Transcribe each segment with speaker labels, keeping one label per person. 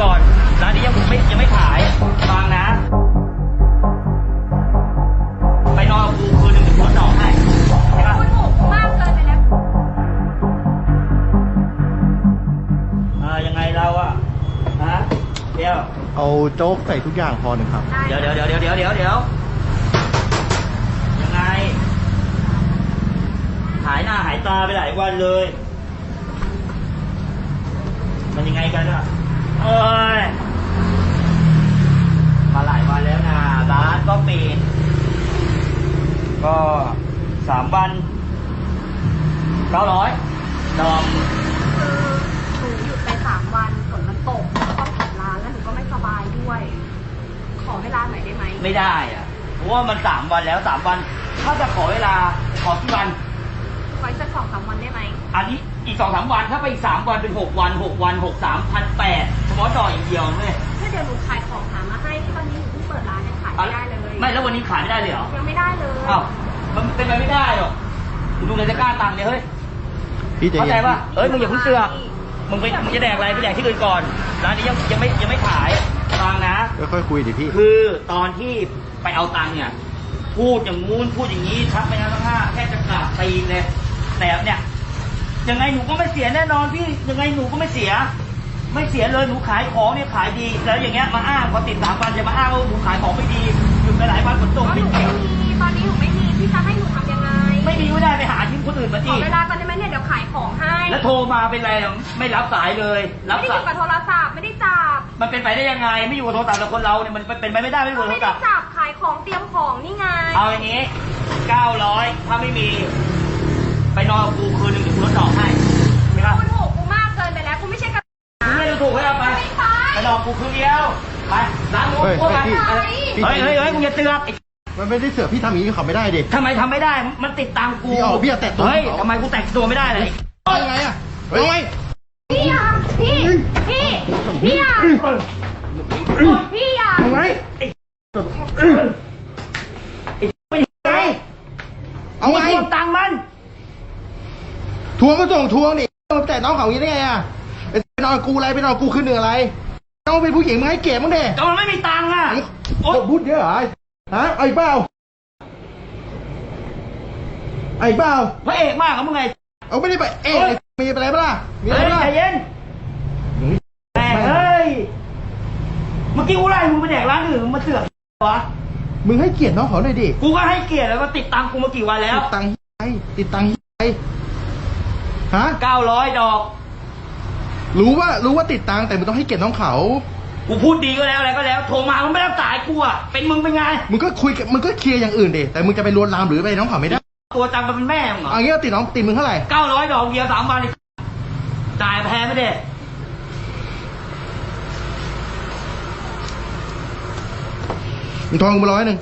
Speaker 1: ก่อนร้านนี้ยังไม่ขายฟังนะไปนอนกูคืนหนึ่งถึงรถดอกให้ใช่ปะ
Speaker 2: คุณถูกมากเกินไปแล้ว
Speaker 1: ยังไงเราอะฮะเดี๋ยว
Speaker 3: เอาโจ๊กใส่ทุกอย่างพอหนึ่งครับ
Speaker 1: เดี๋ยวยังไงหายหน้าหายตาไปหลายวันเลยมันยังไงกันอะเอ้ยมาหลายวันแล้วนะร้านก็ปิดก็3 วัน900ดอม
Speaker 2: คือหนูหยุดไป3 วันฝนมันตกต้องปิดร้านแล้วหนูก็ไม่สบายด้วย ขอเวลาหน่อยได้ไหม
Speaker 1: ไม่ได้อะเพราะว่ามัน3 วันแล้ว3 วันถ้าจะขอเวลาขอกี่วัน
Speaker 2: ไว้สัก2-3 วันได้ไหม
Speaker 1: อันนี้อีก2-3 วันถ้าไปอีก3 วันเป็น6 วัน6 วัน6 3 1,800เฉพาะดอกอย่างเดียวเลย
Speaker 2: ถ้าเดี๋ยวหนูขายของหามาให้ตอนนี้หนูเพิ่งเปิดร้านยังขายไม่ได้เลย
Speaker 1: ไม่แล้ววันนี้ขายไม่ได้เลยเหรอ
Speaker 2: ยังไม่ได้เลย
Speaker 1: อ้าวมันเป็นไปไม่ได้หรอกดูในตะกร้าตังค์เนี่ยเฮ้ยเข้าใจป่ะมึงอย่าเพิ่งเสือกมึงจะแดกอะไรไปแดกที่อื่นก่อนร้านนี้ยังไม่ขายฟังนะ
Speaker 3: ค่อยคุยดิพี่
Speaker 1: คือตอนที่ไปเอาตังค์เนี่ยพูดอย่างงู้นพูดอย่างนี้ทักไปนะทั้งห้าแค่จะกราบตีนเลยแต่เนี่ยยังไงหนูก็ไม่เสียแน่นอนพี่ยังไงหนูก็ไม่เสียเลยหนูขายของเนี่ยขายดีแล้วอย่างเงี้ยมาอ้างพอติด3 วันจะมาอ้างว่าหนูขายของไม่ดีหยุดไปหลายวันฝนตกไม่เกี่ยว
Speaker 2: ตอนนี้หนูไม่มีพี่จะให้หนูทำยังไง
Speaker 1: ไม่มีไม่ได้ไปหาที่คนอื่นมา
Speaker 2: ขอเวลาก่อนได้ไหมเนี่ยเดี๋ยวขายของให้
Speaker 1: แล้วโทรมาเป็นไรไม่รับสายเลย
Speaker 2: ไม่ได้อยู่กับโทรศัพท์ไม่ได้จับ
Speaker 1: มันเป็นไปได้ยังไงไม่อยู่กับโทรศัพท์แล้วคนเราเนี่ยมันเป็นไปไม่ได้ไม่อยู่กับโทรศัพท์
Speaker 2: ไม่ได้จับขายของเตรียมของนี่ไง
Speaker 1: เอาอย่างนี้900ถ้าไม่มีไปนอนกูคืนหนึ่งถึงรถดอกให้ใช่ปะ
Speaker 2: คุณถูกกูมากเกินไปแล้วกูไม่ใช่กับ
Speaker 1: ไม่ได้ถูกให้เอาไปนอนกูคืนเดียวไปร้านนู้นพวกมันเฮ้ยมึงอย่าเตือน
Speaker 3: มันไม่ได้เสือกพี่ทำอย่างนี้เขาไม่ได้ดิ
Speaker 1: ทำไมทำไม่ได้มันติดตังกู
Speaker 3: พี่แตะตัว
Speaker 1: เฮ้ยทำไมกูแตะตัวไม่ได้เลย
Speaker 3: ยังไงอะเฮ้ย
Speaker 2: พี่อ่ะพี่อ่ะ
Speaker 3: ทำไงเอาไง
Speaker 1: ทวงตังมัน
Speaker 3: ทวงก็ส่งทวงดิแต่น้องเขาอย่างนี้ได้ไงอะไปนอนกูอะไรไปนอนกูขึ้นเหนืออะไรต้องเป็นผู้หญิงมึงให้เก็บมึงเด็ก
Speaker 1: แต่มันไม่มีตังค์อะ
Speaker 3: โอ้พูดเยอะเหรอฮะไอ้เปล่า
Speaker 1: พระเอกมากครับมึงไง
Speaker 3: เอาไม่ได้ไปเอกมีอะไรบ้างมีอะไรบ้าง
Speaker 1: ใจเย็นแต่เฮ้ยเมื่อกี้กูไล่มึงไปแดกร้านอื่นมึงมาเสือกวะ
Speaker 3: มึงให้เกียรติน้องเขาหน่อยดิ
Speaker 1: กูก็ให้เกียรติแล้วก็ติดตังกูมากี่วันแล้ว
Speaker 3: ติดตังฮะ
Speaker 1: 900 ดอก
Speaker 3: รู้ว่าติดตังแต่มึงต้องให้เกียรติน้องเขา
Speaker 1: กูพูดดีก็แล้วอะไรก็แล้วโทรมามึงไม่รับสายกูอ่ะเป็นมึงเป็นไง
Speaker 3: มึงก็คุยมึงก็เคลียร์อย่างอื่นดิแต่มึงจะไปลวนลามหรือไปน้องเขาไม่ได้
Speaker 1: ตัวจังมันเป็นแม่มึงเหรอ
Speaker 3: อันนี้ติดมึงเท่าไหร่
Speaker 1: 900 ดอกเดียว3 วันจ่ายแพงไม่ได้
Speaker 3: มึงทองมา100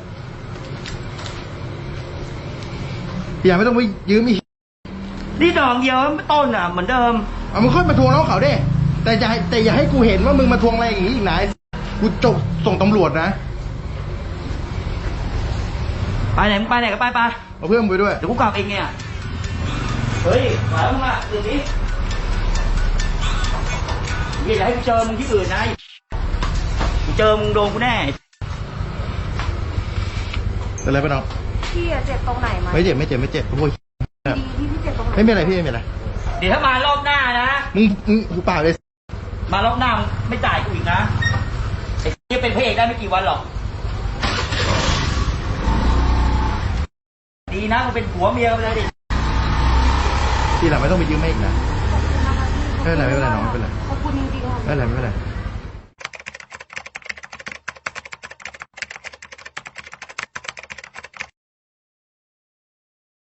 Speaker 3: อย่าไม่ต้องไปยืมอีก
Speaker 1: นี่ดอกเดียวต้นอ่ะเหมือนเดิม
Speaker 3: มึงค่อยมาทวงน้องเขาดิแต่อย่าให้กูเห็นว่ามึงมาทวงอะไรอย่างนี้อีกนะกูจบส่งตำรวจนะ
Speaker 1: ไปไหนมึงไปไหนก็ไป
Speaker 3: เอาเพื่อนไปด้วย
Speaker 1: เดี๋ยวกูกลับเองเนี่ยเฮ้ยมาแล้วมึงอ่ะตื่นดิอย่าให้กูเจอมึงที่อื่นนะกูเจอมึงโดนกูแน่
Speaker 3: เป็นไรไปน้อง
Speaker 2: พี่เจ็บตรงไหนมา
Speaker 3: ไม่เจ็บโอ้ย
Speaker 2: พี่เจ็บตรงไหน
Speaker 3: ไม่เป็นไรพี่ไม่เป็นไร
Speaker 1: เดี๋ยวถ้ามารอบหน้านะ
Speaker 3: มึงหูปากเลย
Speaker 1: มารอบหน้าไม่จ่ายกูอีกนะไอ้ที่เป็นพระเอกได้ไม่กี่วันหรอกดีนะกูเป็นผัวเมียกันเลยดิ
Speaker 3: ทีหลังไม่ต้องไปยืมแม่อีกนะไม่เป็นไรน้องไม่เป็นไร
Speaker 2: ขอบคุณจริงๆ
Speaker 3: ไม่เป็นไร